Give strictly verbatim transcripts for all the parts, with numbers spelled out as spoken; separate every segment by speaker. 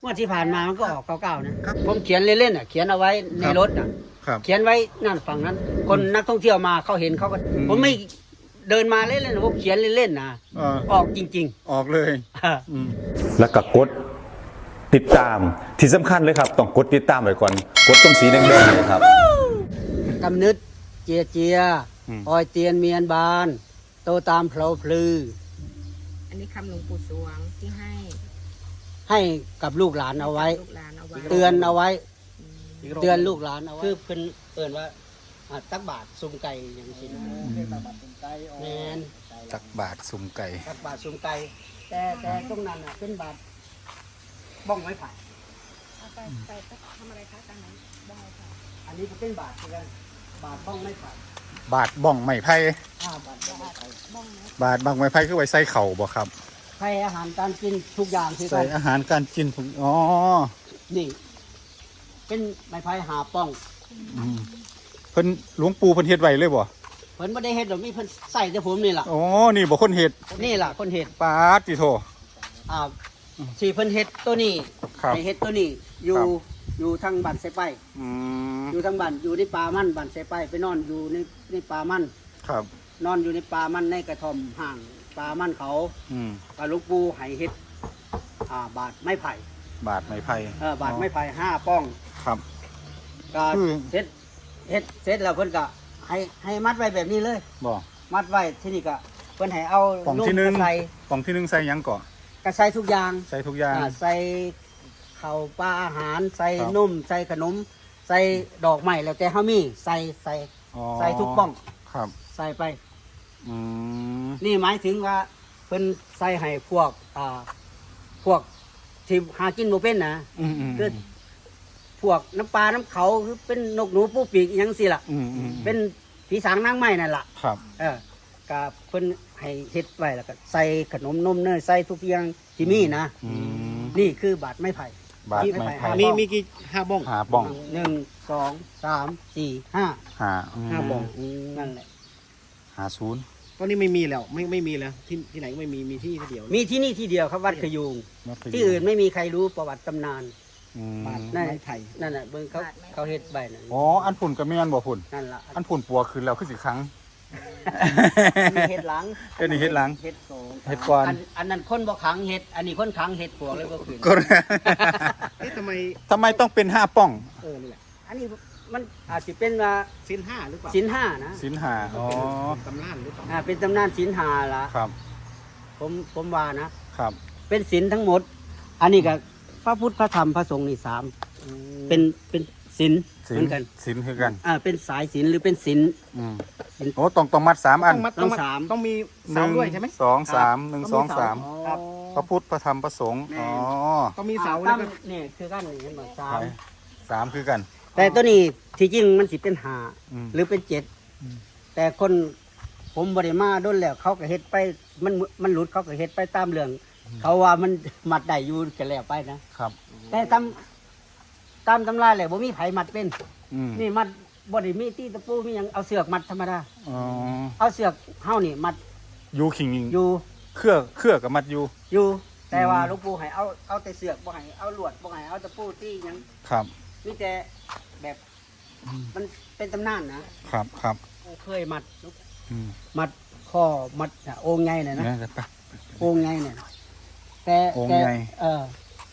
Speaker 1: งวดที่ผ่านมามันก็ออกเก่าๆนะผมเขียนเล่นๆอ่ะเขียนเอาไว้ในรถอ่ะเขียนไว้นั่นฝั่งนั้นคนนักท่องเที่ยวมาเขาเห็นเขาก็ผมไม่เดินมาเล่นๆผมเขียนเล่นๆนะออกจริง
Speaker 2: ๆออกเลย
Speaker 3: แล้วก็กดติดตามที่สำคัญเลยครับต้องกดติดตามไว้ก่อนกดตรงสีแดงๆเลยครับ
Speaker 1: กำนึดเจียเจียออยเตียนเมียนบานโตตามเพลาพลือ
Speaker 4: อันนี้คำหลวงปู่สวงที่ให้
Speaker 1: ให้กับลูกหลานเอาไว้เตือนเอาไว้เตือนลูกหลานเอาไว้คือเพิ่นเอิ้นว่าตักบาตรซุ่มไก่อย่างนี้นะแมน
Speaker 2: ตักบาตรซุ่มไก่
Speaker 1: ตักบาตรซุ่มไก่แต่แต่ตรงนั้นอ่ะเป็นบาตรบ้องไม้ไผ่
Speaker 4: ไปไปทำอะไรคะตรงนั้นบ้องไม้ไผ่
Speaker 1: อันนี้ก็เป็นบาตรเหมือนกันบาตรบ้องไม้ไผ่
Speaker 2: บาตรบ้องไม้ไผ่
Speaker 1: บาตรบ้องไม้ไผ่
Speaker 2: บาตรบ้องไม้ไผ่คือไว้ใส่เข่าบ่ครับ
Speaker 1: ให้อาหารการกินทุกอย่างที่
Speaker 2: ใส่อาหารการกินทุกอ๋อ
Speaker 1: นี่เป็นไม้ไผ่หาป้อง
Speaker 2: เพิ่นหลวงปู่เพิ่นเฮ็ดไว้เลยบ่
Speaker 1: เพิ่นบ่ได้เฮ็ดหรอกมีเพิ่นใส่แต่ผมนี่ล่ะ
Speaker 2: อ๋อนี่บ่คนเฮ็ด
Speaker 1: นี่ล่ะคนเฮ็ด
Speaker 2: ปาติโท
Speaker 1: อ่าที่เพิ่นเฮ็ดตัวนี้ให้เฮ็ดตัวนี้อยู่อยู่ทางบ้านไสไป
Speaker 2: อืม
Speaker 1: อยู่ทางบ้านอยู่ในป่ามันบ้านไสไปไปนอนอยู่ในในป่ามัน
Speaker 2: ครับ
Speaker 1: นอนอยู่ในป่ามันในกระท่อมห่างป่ามันเขา
Speaker 2: อืม
Speaker 1: ก็หลวงปู่ให้เฮ็ดอ่าบาทไม้ไผ่
Speaker 2: บาทไม้ไผ่
Speaker 1: เออบาทไม้ไผ่ห้าป้อง
Speaker 2: ครับ
Speaker 1: ก็เฮ็ดเฮ็ดเสร็จแล้วเพิ่นก็ให้ให้มัดไว้แบบนี้เลย
Speaker 2: บ่
Speaker 1: มัดไว้ที่นี่ก็เพิ่นให้เอา
Speaker 2: ป่องที่หนึ่งใส่ป่องที่หนึ่งใส่หยังก่อน
Speaker 1: ก็ใส่ทุกอย่าง
Speaker 2: ใส่ทุกอย่าง
Speaker 1: ใส่ข้าวปลาอาหารใส่นมใส่ขนมใส่ดอกไม้แล้วแต่เฮามีใส่ใส่ใส่ทุกป้อง
Speaker 2: ครับ
Speaker 1: ใส่ไป
Speaker 2: อืม
Speaker 1: นี่หมายถึงว่าเพิ่นใส่ให้พวกอ่าพวกที่หากินบ่เป็นนะคือพวกน้ำปลาน้ำเขาคือเป็นนกหนูปูปีกอย่างสิล่ะเป็นผีสางนางไม้นั่นล่ะ
Speaker 2: ครับ
Speaker 1: เออกับเพิ่นให้เฮ็ดไว้แล้วก็ใส่ขนมนมเนยใส่ทุกอย่างที่มีนะนี่คือบาทไม้ไผ่
Speaker 2: บาทไม้ไผ่
Speaker 1: มีมีกี่ห้าบ้อง
Speaker 2: ห้าบ้อง
Speaker 1: หนึ่งสองสามสี่ห้า
Speaker 2: ห้า
Speaker 1: ห้าบ้องนั่นแหละ
Speaker 2: ห้าศูนย์
Speaker 5: ตอนนี้ไม่มีแล้วไม่ไม่มีแล้วที่ที่ไหนก็ไม่มีมีที่ที่เดียว
Speaker 1: มีที่นี่ที่เดียวครับวัดขยูงที่อื่นไม่มีใครรู้ประวัติตำนาน
Speaker 5: บาทไม้ไผ่
Speaker 1: นั่นแหละเบิ่งเขาเขาเฮ็ดใบนั่น
Speaker 2: อ๋ออันฝุ่นก็ไม่อันบ่ฝุ่น
Speaker 1: นั่นล่ะ
Speaker 2: อันฝุ่นปัวคืนแล้วคือสิครั้ง
Speaker 1: มีเฮ็ดหลัง
Speaker 2: เอ็ดนี่เฮ็ดหลัง
Speaker 1: เฮ็ดโส
Speaker 2: เฮ็ดก่อน
Speaker 1: อันนั้นคนบ่ขังเฮ็ดอันนี้คนขังเฮ็ดปวกเลยบ่คืน
Speaker 5: เอ๊ะทำไม
Speaker 2: ทำไมต้องเป็นห้าป้อง
Speaker 5: เออนี่แหละ
Speaker 1: อันนี้มันอาจจะเป็นว่า
Speaker 5: ศีลห้าหรือเปล่า
Speaker 1: ศีลห้านะ
Speaker 2: ศีลห้าอ๋อ
Speaker 5: ตำนานหรือเปล่า
Speaker 1: อ่าเป็นตำนานศีลห้าล่ะ
Speaker 2: ครับ
Speaker 1: ผมผมว่านะครับเป็นศีลทั้งหมดอันนี้ก็พระพุทธพระธรรมพระสงฆ์นี่สามเป็นเป็นศีลเหมือนกัน
Speaker 2: ศีลคือกัน
Speaker 1: อ่าเป็นสายศีลหรือเป็นศีล
Speaker 2: อืมโอ้ต้องต้องมัดสามอัน
Speaker 1: ต้องสาม
Speaker 5: ต้องมีเสาด้วยใช่ไหม
Speaker 2: สองสามหนึ่งสองสามพระพุทธพระธรรมพระสงฆ์อ๋อ
Speaker 5: ต้องมีเสา
Speaker 1: แล้วนี่คือกันนี่เห็นบ่สาม
Speaker 2: สามคือกัน
Speaker 1: แต่ตัวนี้ที่จริงมันสิเป็นห้าหรือเป็นเจ็ดแต่คนผมบริมาด้นแล้วเขาก็เฮ็ดไปมันมันหลุดเขาก็เฮ็ดไปตามเรื่องเขาว่ามันมัดได้อยู่กันแล้วไปนะครับแต่ตามตามตำราแล้วบ่มีไผมัดเป็นนี่มัดบ่ได้มีตีตะปูมีหยังเอาเสือกมัดธรรมดา
Speaker 2: อ๋อ
Speaker 1: เอาเสือกเฮานี่มัด
Speaker 2: อยู่ขิง
Speaker 1: อยู่
Speaker 2: เครือเครือกับมัดอยู่
Speaker 1: อยู่แต่ว่าหลวงปู่ให้เอาเอาแต่เสือกบ่ให้เอาลวดบ่ให้เอาตะปูตีหยัง
Speaker 2: ครับ
Speaker 1: มีแต่แบบมันเป็นตำนานนะครับ
Speaker 2: ครับ
Speaker 1: เคยมัดมัดข้อมัดโอ่งไงเนี่ยนะโอ่งไงเนี่ยแต่แต่เออ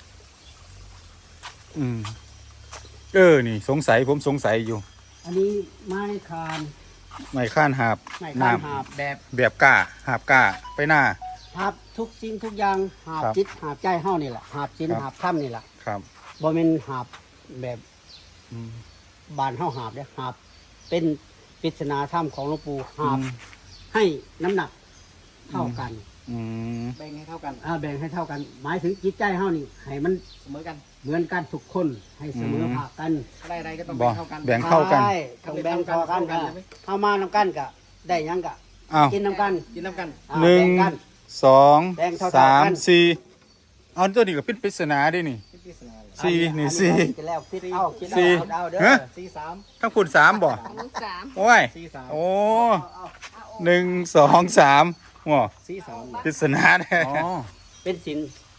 Speaker 2: อืมเออนี่สงสัยผมสงสัยอยู่
Speaker 1: อันนี้ไม้คาน
Speaker 2: ไม้ข้านหาบ
Speaker 1: ไม้ข้านหาบแบบ
Speaker 2: แบบก้าหาบก้าไปหน้า
Speaker 1: หาบทุกสิ่งทุกอย่างหาบจิตหาบใจเฮานี่แหละหาบศีลหาบธรรมนี่แหละ
Speaker 2: ครับ
Speaker 1: บ่แม่นหาบแบบบานเฮาหาบเด้หาบเป็นปริศนาธรรมของหลวงปู่หาบให้น้ำหนักเท่ากัน
Speaker 5: แบ่งให้เท่ากัน
Speaker 1: อ่าแบ่งให้เท่ากันหมายถึงจิตใจเฮานี่ให้มัน
Speaker 5: เสมอกัน
Speaker 1: เหมือนกันทุกคนให้เสมอภาคกัน
Speaker 5: อะไรๆก็ต้องแบ่งเท่ากัน
Speaker 2: แบ่งเท่ากัน
Speaker 1: ใช่ต้องแบ่งเท่ากันเข้ามานำกันก็ได้ยังก็กินนำกัน
Speaker 5: กินนำกัน
Speaker 2: หนึ่งสองสามสี่เอาตัวนี้ก็เป็นปริศนาดินี่สี่นี่สี่สี่ฮะทั้งคุณสามบ่โอ้ยโอ้หนึ่งสองสามว้าปริศนาเนี่ย
Speaker 1: เป็นศีลเ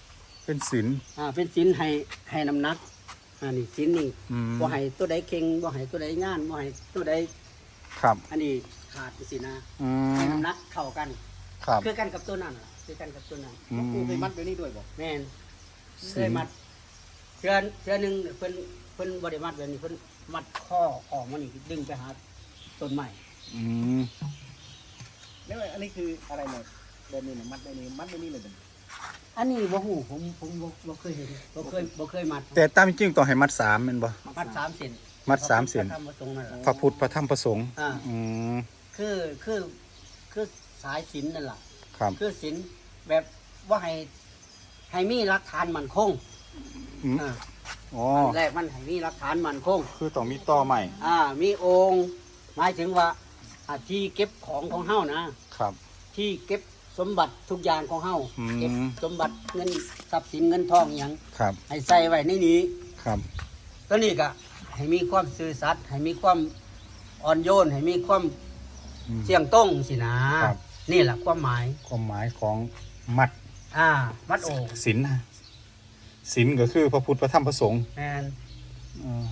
Speaker 2: เป็นศีล
Speaker 1: อ่าเป็นศีลให้ให้น้ำหนักอ่านี่ศีลนี่
Speaker 2: อืม
Speaker 1: บ่ให้ตัวใดเค็งบ่ให้ตัวใดย่านบ่ให้ตัวใด
Speaker 2: ครับ
Speaker 1: อันนี้ขาดสินะ
Speaker 2: อื
Speaker 1: ให้
Speaker 2: ม
Speaker 1: น้ำหนักเท่ากัน
Speaker 2: ครับ
Speaker 1: คือกันกับตัวนั้นล่ะคือกันกับตัวนั้น
Speaker 2: อื
Speaker 5: หลวงปู่
Speaker 2: ม
Speaker 5: เคยมัดไว้นี่ด้วยบอก
Speaker 1: แม่น
Speaker 2: ศีล
Speaker 1: เคยมัดเทือนเทือหนึงเพิ่นเพิ่นบ่ได้มัดแบบนี้เพิ่นมัดข้อออกมานี่ดึงไปหาต้นไม้
Speaker 2: อืม
Speaker 5: แล้วอันนี้คืออะไรเนี่ยแบบนี้เนี่ยมัดไว้นี่มัดไว้นี่เลยเป็น
Speaker 1: อันนี้บ่ฮู้ผมผมบ่บ่เคยเห็นบ่เคยบ่เคยมัด
Speaker 2: แต่ตามจริงต้องให้มัดสามแม่นบ่
Speaker 1: มัดสามเส้น
Speaker 2: มัดสามเส้น
Speaker 1: พระธรรมประสงค์นั่นแหละ
Speaker 2: พระพุทธพระธรรมพระสงฆ์
Speaker 1: อ่า
Speaker 2: อืม
Speaker 1: คือคือคือสายศีลนั่นล่ะ
Speaker 2: ครับ
Speaker 1: คือศีลแบบว่าให้ให้มีหลักฐานมั่นคง
Speaker 2: อืม
Speaker 1: อ่า
Speaker 2: อ๋อ
Speaker 1: อันแรกมันให้มีหลักฐานมั่นคง
Speaker 2: คือต้องมีต่อใหม่
Speaker 1: อ่ามีองค์หมายถึงว่าอ่าที่เก็บของของเฮานะ
Speaker 2: ครับ
Speaker 1: ที่เก็บสมบัติทุกอย่างของเฮา
Speaker 2: อืม
Speaker 1: เก็บสมบัติเงินทรัพย์สินเงินทองอหย่าง
Speaker 2: ครับ
Speaker 1: ให้ใส่ไว้ในนี้
Speaker 2: ครับ
Speaker 1: ตัวนี้ก็ให้มีความซื่อสัตย์ให้มีความอ่อนโยนให้มีความ
Speaker 2: อืม
Speaker 1: เสี่ยงต้งสินะครับ นี่แหละความหมาย
Speaker 2: ความหมายของมัด
Speaker 1: อ่ามัดโอ่ง
Speaker 2: ศีลนะศีลก็คือพระพุทธพระธรรมพระสงฆ์
Speaker 1: แมน
Speaker 2: อ่า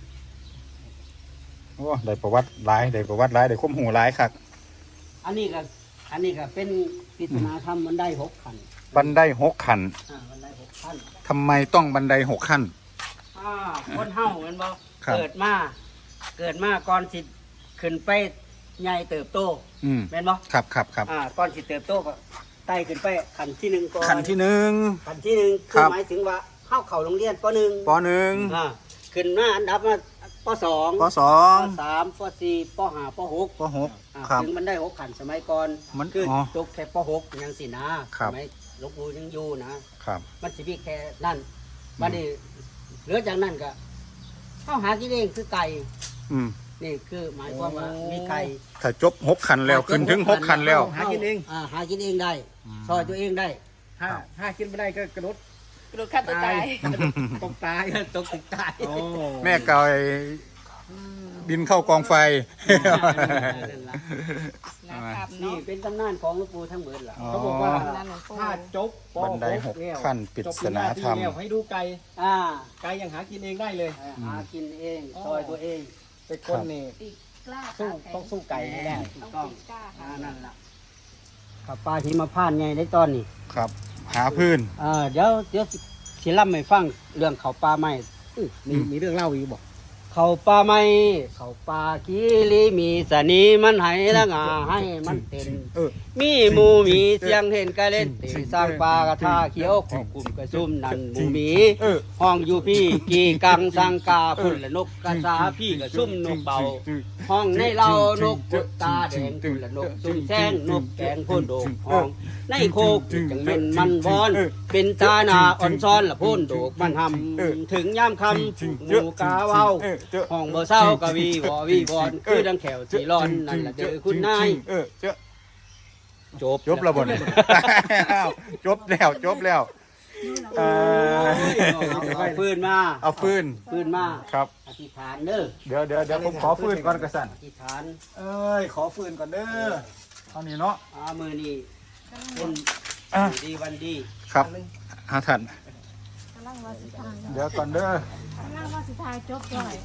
Speaker 2: โอ้ได้ประวัติหลายได้ประวัติหลายได้ข้อมหูหลายคัก
Speaker 1: อันนี้ก็อันนี้ก็เป็นปริศนาธรรมมันได้หกขัน
Speaker 2: บันไดหกขั้น
Speaker 1: อ่ามันได้หกขั้น
Speaker 2: ทำไมต้องบันไดหกขั้น
Speaker 1: อ่าคนเฮาแมันบ่
Speaker 2: ครับ
Speaker 1: เกิดมาเกิดมาก่อนสิขึ้นไปใหญ่เติบโต
Speaker 2: อืม
Speaker 1: แม่นบ่
Speaker 2: ครับครับครับ
Speaker 1: อ่าก่อนสิเติบโตก็ไต่ขึ้นไปขั้นที่หนึ่งก่อน
Speaker 2: ขั้นที่หนึ่ง
Speaker 1: ขั้นที่หนึ่ง
Speaker 2: ค
Speaker 1: คื
Speaker 2: รั
Speaker 1: อบ หมายถึงว่าเฮาเข้าโรงเรียนปหนึ่ง
Speaker 2: ปหนึ่ง
Speaker 1: อ่าขึ้นมาอันดับมาปสอง
Speaker 2: ปสอง
Speaker 1: ปสามปสี่ปห้าปหก
Speaker 2: ปหก
Speaker 1: อ่า
Speaker 2: ครับ
Speaker 1: ถึงมันได้หกขันสมัยก่อน
Speaker 2: มัน
Speaker 1: คืออ
Speaker 2: อ
Speaker 1: จบแค่ปหกยังสินะครับ สมัยหลวงปู่ยังอยู่นะครับ มันสิมีแค่นั่นบัดนี้เหลือจากนั้นก็เข้าหากินเองคือไก่
Speaker 2: อืม
Speaker 1: นี่คือหมายความว่ามีไก่
Speaker 2: ถ้าจบหกขั้นแล้วขึ้นถึงหกขั้นแล้ว
Speaker 5: หากินเอง
Speaker 1: อ่าหากินเองได้ซอยตัวเองได้
Speaker 5: ถ้าถ้ากินไม่ได้ก็กระโดด
Speaker 4: กระโดดฆ่าตัวตาย
Speaker 5: ตกตาย
Speaker 1: ตกติดตาย
Speaker 5: โอ้
Speaker 2: แม่เกายบินเข้ากองไฟ
Speaker 1: นั่นล่ะ
Speaker 4: นะครับ
Speaker 1: นี่
Speaker 4: เนาะ
Speaker 1: เป็นตำนานของหลวงปู่ทั้งหมดล่ะ
Speaker 2: อ๋อ
Speaker 5: เขาบอกว่า
Speaker 4: นั่นหลวงปู่
Speaker 5: ถ้าจบป
Speaker 2: บันไดหก
Speaker 5: แล้ว
Speaker 2: ขั้นปริศนาธรรม
Speaker 5: จบปริญญาตแล้วให้ดูไก่
Speaker 1: อ่า
Speaker 5: ไก่ยังหากินเองได้เลย
Speaker 1: หากินเองซอยตัวเอง
Speaker 5: เป็นคนนี่
Speaker 4: ตีกล้า
Speaker 5: สู้
Speaker 4: ขาแข็
Speaker 5: ต้องสู้ไก่ไม่ได้
Speaker 1: ถู
Speaker 4: ต้อก ง
Speaker 1: ต้อง
Speaker 4: ตีกล้า
Speaker 1: อ่า
Speaker 4: ค่ะ
Speaker 1: นั่นล่ะขับปลาที่มาพานไงได้ตอนนี้
Speaker 2: ครับ หาพื้น
Speaker 1: อ่าเดี๋ยวเดี๋ยวสิสิล่ำให้ฟังเรื่องเขาปลาไม้
Speaker 5: มีมีเรื่องเล่าอีกบอก
Speaker 1: เขาปลาไม้เขาปลากีรีมีสนีมันให้ละงาให้มันเต้น
Speaker 2: เออ
Speaker 1: มีหมูมีเสียงเห็นกะเล่นตีสร้างปลากระทาเขียวขอบกลุ่มกระซุ่มนันหมูหมี
Speaker 2: เออ
Speaker 1: ห้องอยู่พี่กีกังสังกาพุ่นและนกกระสาพี่กระซุ่มนกเบา ห้องในเรานกปุตตาแดงพุ่นและนกซุ่มแซงนกแกงพ่นโดกห้องในโคกจังเป็นมันวอน เป็นตาหนาอ่อนซ้อนละพ่นโดกมันหำถึงย่ำคำหมูกาเว้า ห้องบ่เศร้ากะวีวอวีวอนคือดังแขวสีร้อนนั่นละเด้อคุณนาย
Speaker 2: เออเจ้า
Speaker 1: จบ
Speaker 2: จบแล้วบ่เนี่ย อ้าวจบแล้วจบแล้วเอ่อ
Speaker 1: เอาฟืนมา
Speaker 2: เอาฟืน
Speaker 1: ฟืนมา
Speaker 2: ครับ
Speaker 1: อธิษฐานเด้อ
Speaker 2: เดี๋ยวเดี๋ยวเดี๋ยวผมขอฟืนก่อนกระสัน
Speaker 1: อธิษฐาน
Speaker 2: เอ้ยขอฟืนก่อนเด้อเท่านี้เนาะ
Speaker 1: อามือนี่เป็น
Speaker 2: อ่ะ
Speaker 1: ดีวันดี
Speaker 2: ครับหาทัน
Speaker 4: กำลังว่าสุดท้าย
Speaker 2: เดี๋ยวก่อนเด้อก
Speaker 4: ำลังว่าสุดท้ายจบก่อย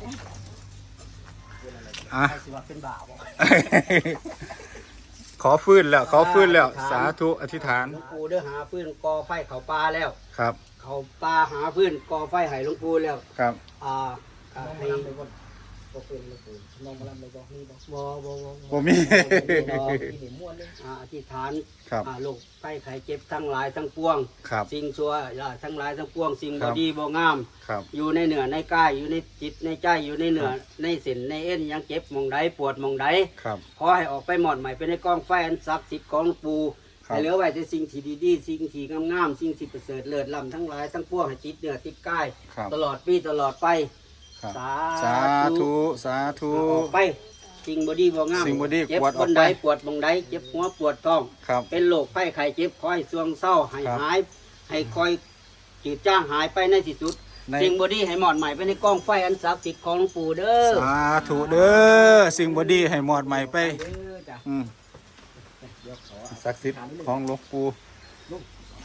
Speaker 2: อ่ะ
Speaker 1: ใครสิว่าเป็นบ่าวบ่
Speaker 2: ขอฟืนแล้วขอฟืนแล้ว สาธุอธิษฐาน
Speaker 1: หลวงปู่เด้อหาฟืนกอไฟเขาปลาแล้ว
Speaker 2: ครับ
Speaker 1: เขาปลาหาฟืนกอไฟให้หลวงปู่แล้ว
Speaker 2: ครับ
Speaker 1: อ่าอ่าให้
Speaker 5: บ่เฟื่องเลยปู่น้องมาลำเลยบอกนี่บอก
Speaker 1: บ่บ่บ่
Speaker 2: บ่มี
Speaker 5: ที่นี่ม้วนเลย
Speaker 1: อ่าอธิษฐาน
Speaker 2: ครับ
Speaker 1: อ่าโรคไข้ไข้เจ็บทั้งหลายทั้งปวง
Speaker 2: ครับ
Speaker 1: สิ่งชั่วอ่าทั้งหลายทั้งปวง สิ่ง
Speaker 2: ครับ
Speaker 1: ่
Speaker 2: บ
Speaker 1: ดีบ่งาม
Speaker 2: ครับ
Speaker 1: อยู่ในเหนือในกายอยู่ในจิตในใจอยู่ในเหนือในเส้นในเอ็นยังเจ็บหมองใดปวดหมองใด
Speaker 2: ครับ
Speaker 1: ขอให้ออกไปหมอดใหม่ไปในกองไฟอันศักดิ์สิทธิ์ของหลวงปู่
Speaker 2: ครับ
Speaker 1: ให้เหลือไว้แต่สิ่งที่ดีๆสิ่งที่งามๆสิ่งที่ประเสริฐเลิศล้ำทั้งหลายทั้งปวงให้จิตเหนือจิตกาย
Speaker 2: ครับ
Speaker 1: ตลอดปีตลอดไป
Speaker 2: ครับ
Speaker 1: สา
Speaker 2: สา
Speaker 1: ธุ
Speaker 2: ธุสาธุ
Speaker 1: ออกไปสิ่งบดีบ่งาม
Speaker 2: สิ่งบ่ดี
Speaker 1: เจ็บ
Speaker 2: กวาดอ
Speaker 1: ค
Speaker 2: อก
Speaker 1: น
Speaker 2: ไป
Speaker 1: ใดปวดหมองใดเจ็บหัวปวดท้อง
Speaker 2: ครับ
Speaker 1: เป็นโรคไข้ไข้เจ็บคอยสวงเศร้าให้
Speaker 2: ครับ
Speaker 1: หาย ให้คอยจืดจ้างหายไปในที่สุด
Speaker 2: ใน
Speaker 1: สิ่งบดีให้หมอดใหม่ไปในกองไฟอันศักดิ์สิทธิ์ของหลวงปู่เด้อ
Speaker 2: สาธุเด้อสิ่งบดีให้หมอดใหม่ไป
Speaker 1: เด้อจ้ะ
Speaker 2: อืมศักดิ์สิทธิ์ของหลวงปู่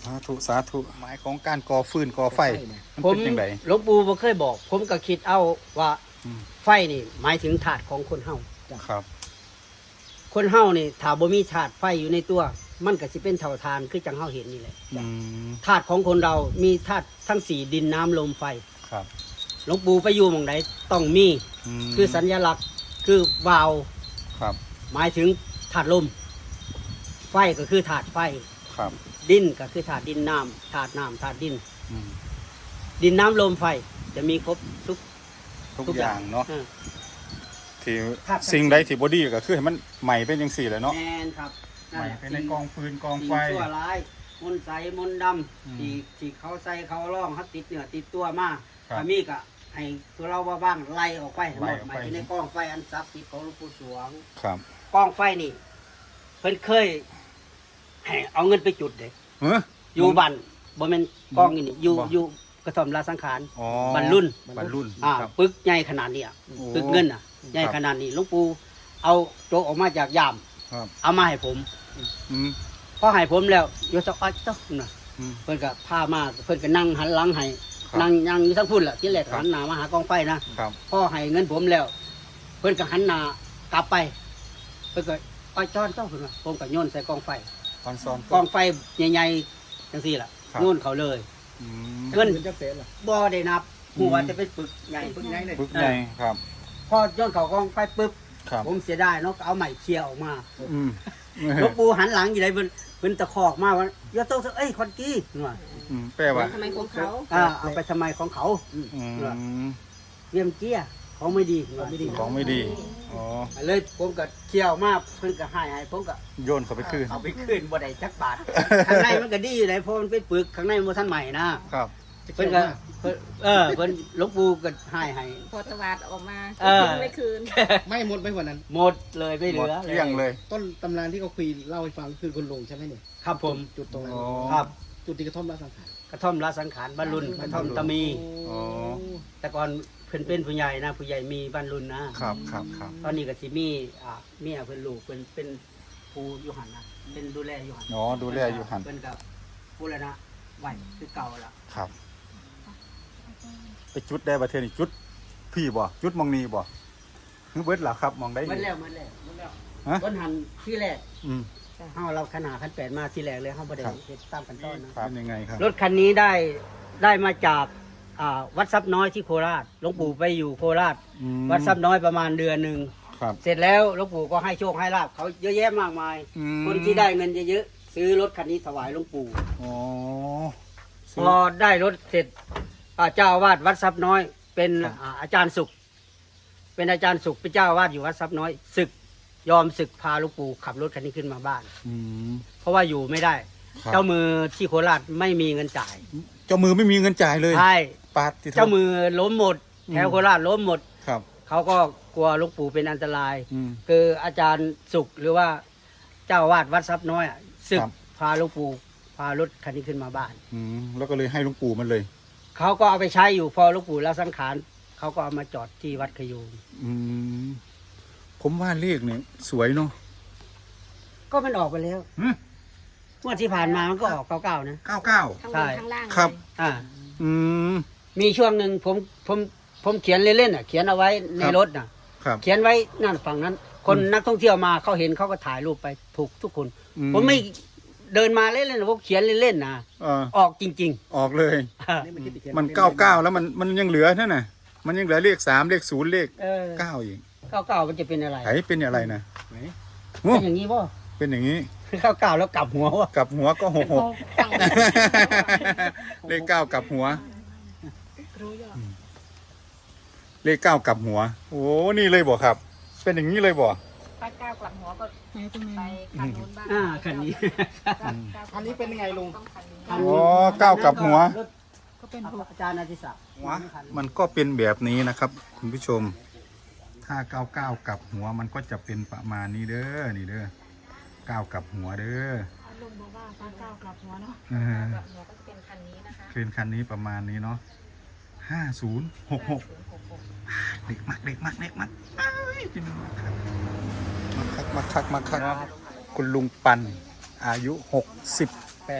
Speaker 2: าธุสาธุหมายของการก่อฟืนก่อไฟมัน
Speaker 1: ผม
Speaker 2: เป็นยังไง
Speaker 1: หลวงปู่บ่เคยบอก ผมก็คิดเอาว่า
Speaker 2: อืม
Speaker 1: ไฟนี่หมายถึงธาตุของคนเฮา
Speaker 2: ครับ
Speaker 1: คนเฮานี่ถ้าบ่มีธาตุไฟอยู่ในตัว มันก็สิเป็นเท่าทานคือจังเฮาเห็นนี่แหละ
Speaker 2: อืม
Speaker 1: ธาตุของคนเรามีธาตุทั้งสี่ดินน้ำลมไฟ
Speaker 2: ครับ
Speaker 1: หลวงปู่ไปอยู่หม่องใดต้องมี
Speaker 2: ม
Speaker 1: คือสัญลักษณ์คือวาล์ว
Speaker 2: ครับ
Speaker 1: หมายถึงธาตุลม ไฟก็คือธาตุไฟ
Speaker 2: ครับ
Speaker 1: ดินก็คือธาตุดินน้ำธาตุน้ำธาตุดิน
Speaker 2: อืม
Speaker 1: ดินน้ำลมไฟจะมีครบทุก
Speaker 2: ทุก
Speaker 1: ทุก
Speaker 2: อ
Speaker 1: อย่า
Speaker 2: ย่าง งเนาะ
Speaker 1: เออ
Speaker 2: ที่
Speaker 1: ครับ
Speaker 2: สิ่งใดที่บอดี้ก็คือให้มันใหม่เป็นยังสี่แหละเนาะ
Speaker 1: แมนครับ
Speaker 2: ใหม่เป็นในกองฟืนกอง
Speaker 1: สิ่
Speaker 2: ไฟ
Speaker 1: ชั่วร้ายมนต์ใสมนต์ด
Speaker 2: อืม
Speaker 1: ำที่ที่เขาใส่เขาล่องเขาติดเหนือติดตัวมา
Speaker 2: ครับ
Speaker 1: ถ้ามีก็ให้ตัวเราว่าบ้างไล่ออกไปให้หม
Speaker 2: ไล่
Speaker 1: ด
Speaker 2: ออก
Speaker 1: ห
Speaker 2: ไป
Speaker 1: มายถึงในกองไฟอันศักดิ์สิทธิ์ของหลวงปู่สวง
Speaker 2: ครับ
Speaker 1: กองไฟนี่เพิ่นเคยให้เอาเงินไปจุดเด็ก
Speaker 2: เฮ้ย
Speaker 1: อยู่บ้านบ่แม่นกองนี่นี่อยู่
Speaker 2: บ่
Speaker 1: อยู่กระท่อมลาสังขาร
Speaker 2: อ๋อ
Speaker 1: บ้านรุ่น
Speaker 2: บรรลุน
Speaker 1: อ่า
Speaker 2: ครับ
Speaker 1: ปึกใหญ่ขนาดนี้อ่ะ
Speaker 2: โอ้
Speaker 1: ปึกเงินอ่ะใหญ่
Speaker 2: ครับ
Speaker 1: ขนาดนี้หลวงปู่เอาโจกออกมาจากยาม
Speaker 2: ครับ
Speaker 1: เอามาให้ผม
Speaker 2: อืม
Speaker 1: พอให้ผมแล้วโยจะอ้อยเจ้าน่ะ
Speaker 2: อืม
Speaker 1: เพิ่นก็พามาเพิ่นก็นั่งหันหลังให้
Speaker 2: ครับ
Speaker 1: นั่งยังอยู่ทั้งพุ่นแหละที่แรก
Speaker 2: ครับ
Speaker 1: หันหน้ามาหากองไฟนะครับ พ่อให้เงินผมแล้ว เพิ่นก็หันหน้ากลับไป เพิ่นก็อ้อยจอนเจ้าเพิ่นว่าผมก็โยนใส่กองไฟ
Speaker 2: ตอนซ้อน
Speaker 1: กองไฟใหญ่ๆจังซี่ล่ะ
Speaker 2: ครับ
Speaker 1: โยนเขาเลย
Speaker 2: อืม
Speaker 1: เงิน
Speaker 5: จะเสร็จเหรอ
Speaker 1: บ่ได้นับหัวจะเป็นปึกใหญ่
Speaker 5: ปึกใหญ่เลย
Speaker 2: ปึ๊กใหญ่ครับ
Speaker 1: พอโยนเขากองไฟปึ๊บ
Speaker 2: ครับ
Speaker 1: ผมเสียดายเนาะก็เอาใหม่เคลียร์ออกมา
Speaker 2: อืม
Speaker 1: หลวงปู่หันหลังอยู่ไหนเพิ่นเพิ่นตะคอกมาว่าอย่าต้องเอ้ยคนกี้ว่า
Speaker 2: อืมแปลว่า
Speaker 4: ทำไมของเขา
Speaker 1: อ่าเอาไปทำไมของเขา
Speaker 2: อืม
Speaker 1: เตรียมเกี้ยของไม่ดีของไม่ดี
Speaker 2: ของไม่ดีอ๋อ
Speaker 1: เลยผมก็เคี่ยวมากเพิ่นก็ให้ให้ผมก็
Speaker 2: โยนเข้าไปคืน
Speaker 1: เอาไปคืนบ่ได้จักบาท ข้างในมันก็ดีอยู่ไหนเพราะมันเป็นปึกข้างในมันบ่ทันใหม่นะครับ เพิ่นก็เพิ่นเออเพิ่นหลวงปู่ก็ให้ให้
Speaker 4: พอตวาดออกมา
Speaker 1: เออ
Speaker 4: ไม่คืน
Speaker 5: ไม่หมดไปกว่านั้น
Speaker 1: หมดเลยไม่เห
Speaker 2: หมด
Speaker 1: ลือ
Speaker 2: เกลี้ยงเลย
Speaker 5: ต้นตำนานที่เขาคุยเล่าให้ฟังคือคุณลุงใช่ไหมเนี่ย
Speaker 1: ครับผม
Speaker 5: จุดตรงนั้น
Speaker 2: อ๋อ
Speaker 1: ครับ
Speaker 5: จุดที่กระท่อมราสังขาร
Speaker 1: กระท่อมละสังขารบรรลุนกระท่อมตะมี
Speaker 2: อ๋อ
Speaker 1: แต่ก่อนเพิ่นเป็นผู้ใหญ่นะผู้ใหญ่มีบรรลุนนะครับ
Speaker 2: ครับครับ
Speaker 1: ตอนนี้ก็สิมีอ่าเมียเพิ่นลูกเพิ่นเป็นผู้อยู่หันนะเป็นดูแลอยู่หัน
Speaker 2: อ๋อดูแลอยู่หัน
Speaker 1: เพิ่นกับผู้ละนะไหวคือเก่าละ
Speaker 2: ครับไปจุดได้ประเทศนี้จุดพี่บ่จุดมองนีบ่คือเบิดหล่ะครับมองได้
Speaker 1: มันแล้วมันแล้วมันแล้ว
Speaker 2: ฮะ
Speaker 1: ต้นหันที่แรก
Speaker 2: อืม
Speaker 1: เฮาเราขนาดขั้นแปดมาที่แรกเลยเฮาบ่ได้
Speaker 2: ครับ
Speaker 1: เฮ็ดตามขั้นตอนนะครับ
Speaker 2: เป็นยังไงครับ
Speaker 1: รถคันนี้ได้ได้มาจากอ่าวัดทรัพย์น้อยที่โคราชหลวงปู่ไปอยู่โคราช
Speaker 2: อืม
Speaker 1: วัดทรัพย์น้อยประมาณเดือนหนึ่ง
Speaker 2: ครับ
Speaker 1: เสร็จแล้วหลวงปู่ก็ให้โชคให้ลาบเขาเยอะแยะมากมาย
Speaker 2: อืม
Speaker 1: คนที่ได้เงินเยอะๆซื้อรถคันนี้ถวายหลวงปู่
Speaker 2: อ๋อ
Speaker 1: พอได้รถเสร็จอ่าเจ้าอาวาสวัดทรัพย์น้อย เป็น
Speaker 2: ครับ
Speaker 1: อ่าอาจารย์สุข เป็นอาจารย์สุขเป็นเจ้าอาวาสอยู่วัดทรัพย์น้อยศึกยอมศึกพาหลวงปู่ขับรถคันนี้ขึ้นมาบ้าน
Speaker 2: อืม
Speaker 1: เพราะว่าอยู่ไม่ได้
Speaker 2: ครับ
Speaker 1: เจ้ามือที่โคราชไม่มีเงินจ่าย
Speaker 2: เจ้ามือไม่มีเงินจ่ายเลย
Speaker 1: ใช่
Speaker 2: ปาดที่
Speaker 1: เจ้ามือล้มหมด
Speaker 2: อืม
Speaker 1: แถวโคราชล้มหมด
Speaker 2: ครับ
Speaker 1: เขาก็กลัวหลวงปู่เป็นอันตราย
Speaker 2: อืม
Speaker 1: คืออาจารย์สุขหรือว่าเจ้าอาวาสวัดทรัพย์น้อยอะศึก
Speaker 2: ครับ
Speaker 1: พาหลวงปู่พารถคันนี้ขึ้นมาบ้าน
Speaker 2: อืมแล้วก็เลยให้หลุงปู่มันเลย
Speaker 1: เขาก็เอาไปใช้อยู่พอหลวงปู่ละสังขารเขาก็เอามาจอดที่วัดขยูง
Speaker 2: อืมผมว่าเลขเนี่ยสวยเนาะ
Speaker 1: ก็มันออกไปแล้ว
Speaker 2: หืม
Speaker 1: เมื่อที่ผ่านมามันก็ออกเก้าเก้านะ
Speaker 2: เก้าเก้า
Speaker 4: ทั้ง
Speaker 1: ใช่
Speaker 4: บนทั้งล่าง
Speaker 2: ครับ
Speaker 4: เลย
Speaker 1: อ่า
Speaker 2: อืม
Speaker 1: มีช่วงหนึ่งผมผมผมเขียนเล่นๆอ่ะเขียนเอาไว้ใน
Speaker 2: ครับ
Speaker 1: รถน่ะ
Speaker 2: ครับ
Speaker 1: เขียนไว้นั่นฝั่งนั้น คน
Speaker 2: อืม
Speaker 1: นักท่องเที่ยวมาเขาเห็นเขาก็ถ่ายรูปไปถูกทุกคน
Speaker 2: อื
Speaker 1: ผมไม่เดินมาเล่นๆนะผมเขียนเล่นๆนะ
Speaker 2: เออ
Speaker 1: ออกจริง
Speaker 2: ออกเลย
Speaker 1: ๆ
Speaker 5: นี่มันคิดอีที
Speaker 2: มันเก้าเก้าแล้วมันมันยังเหลือนั่นน่ะ มันยังเหลือเลขสามเลขศูนย์เลข
Speaker 1: เออ
Speaker 2: เก้าอีก
Speaker 1: เก้าเก้ามันจะเป็นอะไร
Speaker 2: ไหนเป็นอะไรนะ
Speaker 5: ไหน
Speaker 2: โอ้
Speaker 1: เป็นอย่างนี้ป่ะ
Speaker 2: เป็นอย่างนี้
Speaker 1: เก้าเก้าแล้วกลับหัววะ
Speaker 2: กลับหัวก็หกหก
Speaker 4: ตั้ง
Speaker 2: เลขเก้ากลับหัว
Speaker 4: รู้ยอด
Speaker 2: เลขเก้ากลับหัว โอ้นี่เลยบ่ครับ เป็นอย่างนี้เลยบ่
Speaker 4: ถ้าก้าวกลับหัวก็ไปคันนู้นบ้าง
Speaker 1: อ่าคันนี้
Speaker 5: อันนี้เป็นยังไงลุง
Speaker 4: ต้องคันนี้
Speaker 1: คัน
Speaker 2: อ๋
Speaker 1: นี้
Speaker 2: อเก้ากลับหัว
Speaker 1: รถก็เป็นอาจารย์อาทิศักดิ์
Speaker 2: หัวมันก็เป็นแบบนี้นะครับ คุณผู้ชม ถ้าเก้าเก้ากลับหัวมันก็จะเป็นประมาณนี้เด้อนี่เด้อเก้ากลับหัวเด้อ
Speaker 4: ลุงบอกว่าถ้าก้าวกลับหัวเนาะ
Speaker 2: เออก
Speaker 4: ลับหัวก็จะเป็นคันนี้นะคะ
Speaker 2: เคลนคันนี้ประมาณนี้เนาะห้าศูนย์หกหก
Speaker 4: ศูนย์หกหก
Speaker 2: เด็กมากเด็กมากเด็กมากเอ้ยพี่น้องมาคักมาคักมาคักมาคักคุณลุงปันอายุหกสิบ
Speaker 1: แปด
Speaker 2: แป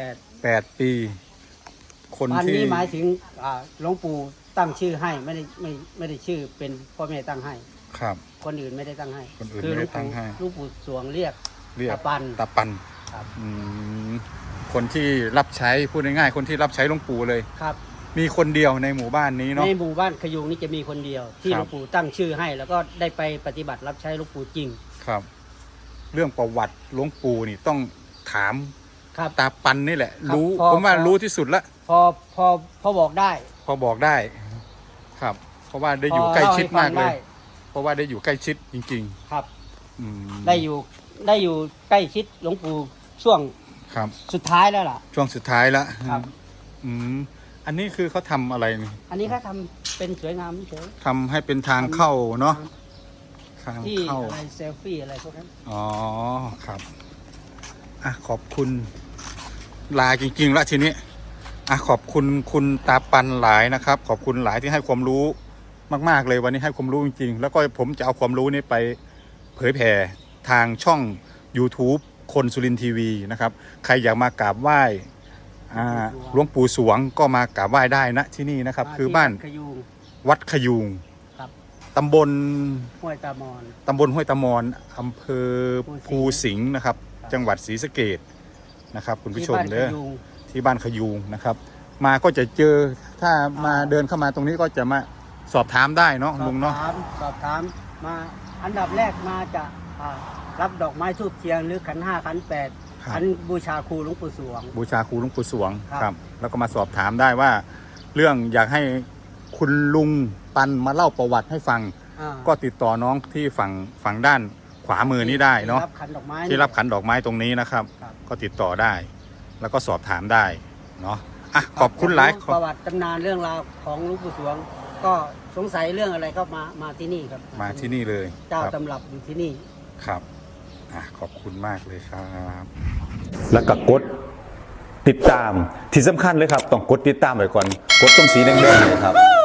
Speaker 2: แปดปี คน
Speaker 1: อัน
Speaker 2: ที่
Speaker 1: นี้หมายถึงอ่าหลวงปู่ตั้งชื่อให้ไม่ได้ไม่ไม่ได้ชื่อเป็นพ่อแม่ตั้งให้
Speaker 2: ครับ
Speaker 1: คนอื่นไม่ได้ตั้งให้
Speaker 2: คนอื่น
Speaker 1: คื
Speaker 2: ไม่
Speaker 1: หล
Speaker 2: ได้
Speaker 1: วง
Speaker 2: ตั้
Speaker 1: ปู่
Speaker 2: งให้
Speaker 1: หลวงปู่สวงเรียก
Speaker 2: เรียก
Speaker 1: ตาปัน
Speaker 2: ตาปัน
Speaker 1: ครับ
Speaker 2: อืมคนที่รับใช้พูดง่ายๆคนที่รับใช้หลวงปู่เลย
Speaker 1: ครับ
Speaker 2: มีคนเดียวในหมู่บ้านนี้เนาะ
Speaker 1: ในหมู่บ้านขยุงนี่จะมีคนเดียว ที่
Speaker 2: ครับ
Speaker 1: หลวงปู่ตั้งชื่อให้ แล้วก็ได้ไปปฏิบัติรับใช้หลวงปู่จริง
Speaker 2: ครับ เรื่องประวัติหลวงปู่นี่ต้องถาม
Speaker 1: ครับ
Speaker 2: ตาปันนี่แหละ
Speaker 1: ครับ
Speaker 2: รู้
Speaker 1: พอ
Speaker 2: ผมว่า
Speaker 1: พอ
Speaker 2: รู้ที่สุดละ
Speaker 1: พอพอพอบอกได้
Speaker 2: พอบอกได้ ครับ เพราะว่าได้อยู่
Speaker 1: พ
Speaker 2: ใกล้
Speaker 1: เล่
Speaker 2: ชิด
Speaker 1: ให้ฟั
Speaker 2: มาง กเลย
Speaker 1: ได้
Speaker 2: เพราะว่าได้อยู่ใกล้ชิดจริง
Speaker 1: ครับ
Speaker 2: ๆ อืม
Speaker 1: ได้อยู่ได้อยู่ใกล้ชิดหลวงปู่ช่วง
Speaker 2: ครับ
Speaker 1: สุดท้ายแล้วล่ะ
Speaker 2: ช่วงสุดท้ายละ
Speaker 1: ครับ
Speaker 2: อืมอันนี้คือเขาทำอะไรนี่
Speaker 1: อันนี้เขาทำเป็นสวยงามเฉย
Speaker 2: ทำให้เป็นทางเข้าเนาะทาง
Speaker 1: ที่
Speaker 2: เข้า
Speaker 1: อะไรเซลฟี่อะไรพวกนั้น
Speaker 2: อ๋อครับอ่ะขอบคุณลาจริงๆละทีนี้อ่ะขอบคุณคุณตาปันหลายนะครับ ขอบคุณหลายที่ให้ความรู้มากๆเลยวันนี้ให้ความรู้จริงๆแล้วก็ผมจะเอาความรู้นี้ไปเผยแผ่ทางช่อง YouTube คนสุรินทร์ทีวีนะครับใครอยากมากราบไหว้อ่าหลวงปู่สวงก็มากราบไหว้ได้นะที่นี่นะครับ
Speaker 1: ม
Speaker 2: คือ
Speaker 1: ที่
Speaker 2: บ้าน
Speaker 1: ขยุง
Speaker 2: วัดขยูง
Speaker 1: ครับ
Speaker 2: ตำบล
Speaker 1: ห้วยตามอน
Speaker 2: ตำบลห้วยตะมอนอำเภอภูสิงห์นะครับ จังหวัดศรีสะเกษนะครับ คุณผู้ชม
Speaker 1: ที่บ้าน
Speaker 2: เด้อ
Speaker 1: ขยุง
Speaker 2: ที่บ้านขยูงนะครับ มาก็จะเจอถ้ามาเดินเข้ามาตรงนี้ก็จะมาสอบถามได้เนาะ
Speaker 1: สอ
Speaker 2: ลุ
Speaker 1: บ
Speaker 2: งเนาะ
Speaker 1: ถามสอบถามมาอันดับแรกมาจะอ่ารับดอกไม้ทูบเทียนหรือขันห้าขันแปด
Speaker 2: ครับ
Speaker 1: ขันบูชาครูหลวงปู่สวง
Speaker 2: บูชาครูหลวงปู่สวง
Speaker 1: ครับ
Speaker 2: ครับ แล้วก็มาสอบถามได้ว่า เรื่องอยากให้คุณลุงปันมาเล่าประวัติให้ฟัง
Speaker 1: อ่า
Speaker 2: ก็ติดต่อน้องที่ฝั่งฝั่งด้านขวามือนี้ได้เนาะ
Speaker 1: ที่รับขันดอกไม้
Speaker 2: ที่รับขันดอกไม้ตรงนี้นะครับ
Speaker 1: ครับ
Speaker 2: ก็ติดต่อได้ แล้วก็สอบถามได้เนาะอ่ะขอบคุณหลาย
Speaker 1: อยกรู้ประวัติตำนานเรื่องราวของหลวงปู่สวง ก็สงสัยเรื่องอะไรก็มามาที่นี่ครับ
Speaker 2: มาที่นี่เลย
Speaker 1: เจ้า
Speaker 2: ครับ
Speaker 1: ตำรับอยู่ที่นี่
Speaker 2: ครับอ่ะขอบคุณมากเลยครับ
Speaker 3: แล้วก็กดติดตามที่สำคัญเลยครับ ต้องกดติดตามไว้ก่อน กดตรงสีแดงๆเนยครับ